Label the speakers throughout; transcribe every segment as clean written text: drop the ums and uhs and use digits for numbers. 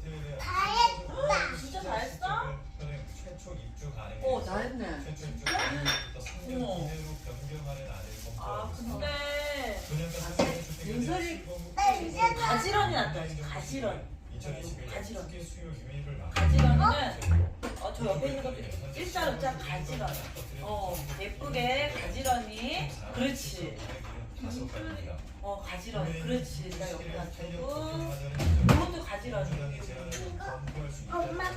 Speaker 1: 잘했다.
Speaker 2: 진짜 잘했어?
Speaker 3: 잘했네.
Speaker 2: 아 근데
Speaker 3: 윤설이
Speaker 2: 가지런히 났다. 가지런. 가지런이는 저 옆에 있는 것도 일자로 짜 가지런. 예쁘게 가지런히. 그렇지. 가지런히. 그렇지. 나 옆에 놔두고 이것도 가지런히.
Speaker 1: 엄마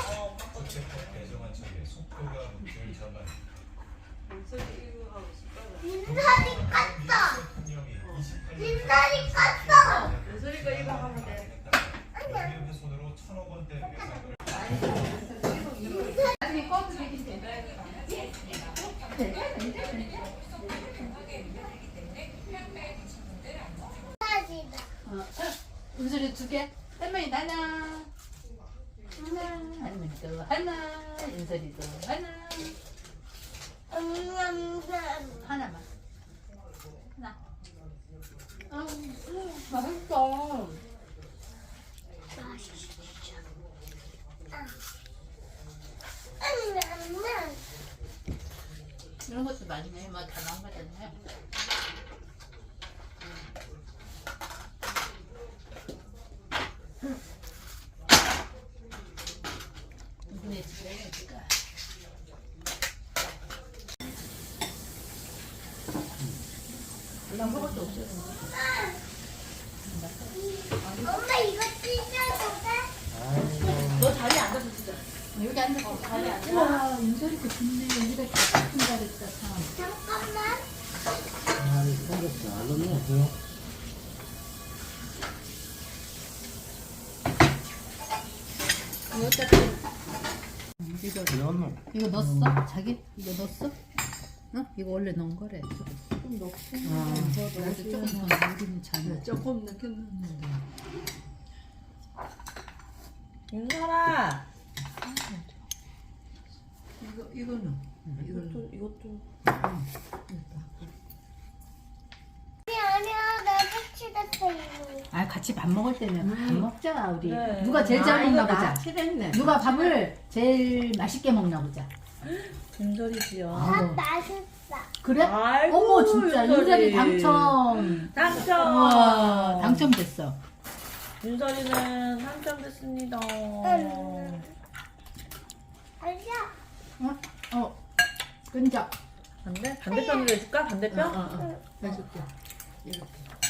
Speaker 1: 윤설이 껐어. 윤설이 껐어.
Speaker 3: 윤설이가 이거 하면 돼. 나중에 꺼도 되긴 돼. 윤설이 2개. 할머니 하나. 할머니도 하나. 윤설이도 하나. 하나만. 하나. 맛있어. 이런 것도 맛있네. 뭐 다 나온 거잖아요. 이번에 집에 가니까. 나 먹을 수 없어요.
Speaker 1: 엄마 이거 찢어도 돼?
Speaker 2: 너 자리에 앉아서 진짜.
Speaker 3: 여기 앉아서
Speaker 2: 자리에 앉아.
Speaker 3: 우와, 윤설이 그 좋네. 우리가 기쁜 잘했다, 참.
Speaker 1: 잠깐만.
Speaker 4: 생겼어. 안 넣었어요?
Speaker 3: 이거 어차피
Speaker 4: 이거
Speaker 3: 이거 넣었어? 자기? 이거 넣었어? 응? 이거 원래 넣은 거래.
Speaker 5: 좀 넣고
Speaker 3: 그래도 조금 더 넣기는 잘.
Speaker 5: 조금 넣겠는데
Speaker 2: 윤설아.
Speaker 3: 이거는
Speaker 5: 이것도
Speaker 1: 아니야 나 색칠했어 이거.
Speaker 3: 아 같이 밥 먹을 때는 밥 먹자 우리.
Speaker 2: 그래.
Speaker 3: 누가 제일 잘 먹나 보자.
Speaker 5: 칠했네.
Speaker 3: 누가 밥을 제일 맛있게 먹나 보자.
Speaker 2: 윤설이지요.
Speaker 1: 밥
Speaker 3: 아우.
Speaker 1: 맛있어.
Speaker 3: 그래?
Speaker 2: 아이고,
Speaker 3: 어머 진짜
Speaker 2: 윤설이.
Speaker 3: 윤설이 당첨.
Speaker 2: 당첨.
Speaker 3: 우와 당첨됐어.
Speaker 2: 윤설이는 당첨됐습니다.
Speaker 1: 아니야.
Speaker 3: 끈적.
Speaker 2: 반대편으로 해줄까? 반대편?
Speaker 3: 해줄게. 이렇게.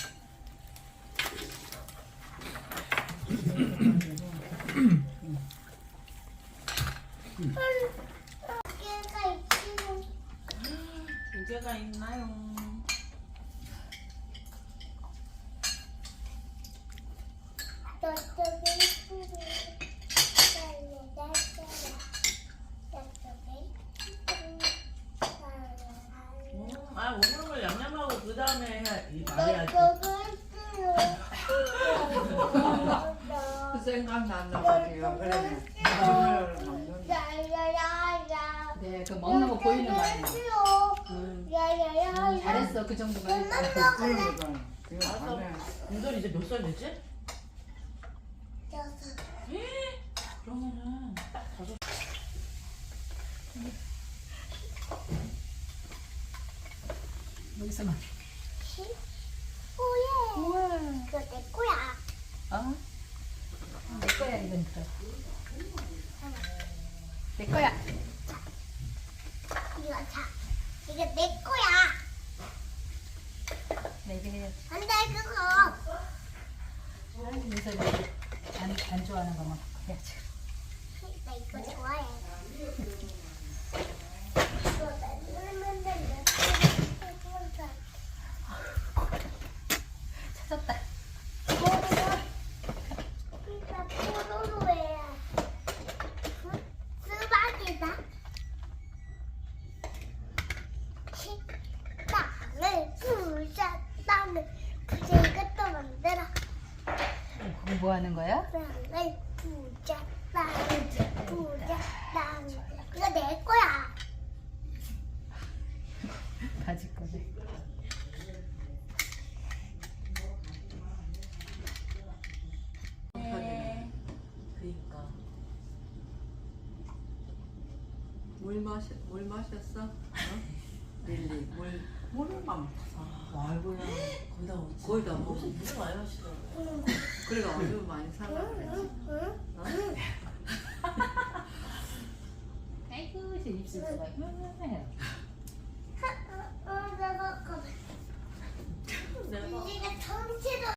Speaker 1: 얘가 있지는.
Speaker 2: 두 개가 있나요?
Speaker 1: 저쪽에 있지는.
Speaker 2: 오므는 걸 양념하고 그 다음에 말해야지.
Speaker 5: 그 생각난다고요. 그래.
Speaker 1: 야야야야.
Speaker 3: 네, 그 먹는 거 보이는 거 아니야.
Speaker 1: 야야야야.
Speaker 3: 잘했어 그 정도만 했어.
Speaker 2: 알았어. 윤설이 이제 몇 살 되지? 그러면은 딱 5.
Speaker 3: 여기서만.
Speaker 1: 우와. 이거 내 거야.
Speaker 3: 어? 내 거야 이건 또. 내 거야.
Speaker 1: 이거 자. 이거 내 거야.
Speaker 3: 내게 해야지.
Speaker 1: 안돼 그거.
Speaker 3: 그래서 안 좋아하는 거만 해야지.
Speaker 1: 나 이거 좋아해. 이거 만들면 된다.
Speaker 3: 찾았다.
Speaker 1: 피자 포도로 해. 수박이다. 식빵을 부자 빵을 부자 이것도 만들어.
Speaker 3: 그거 뭐 하는 거야?
Speaker 1: 빵을 부자 빵을 부자 빵. 이거 내 거야.
Speaker 3: 가질 거네.
Speaker 5: 물 마셨어? 어? 릴리 물만
Speaker 6: 아이고야 거의 다 무슨 많이 마시더라고요.
Speaker 5: 그래가 아주 많이 살라 그래.
Speaker 3: 아이고 제 입술가 해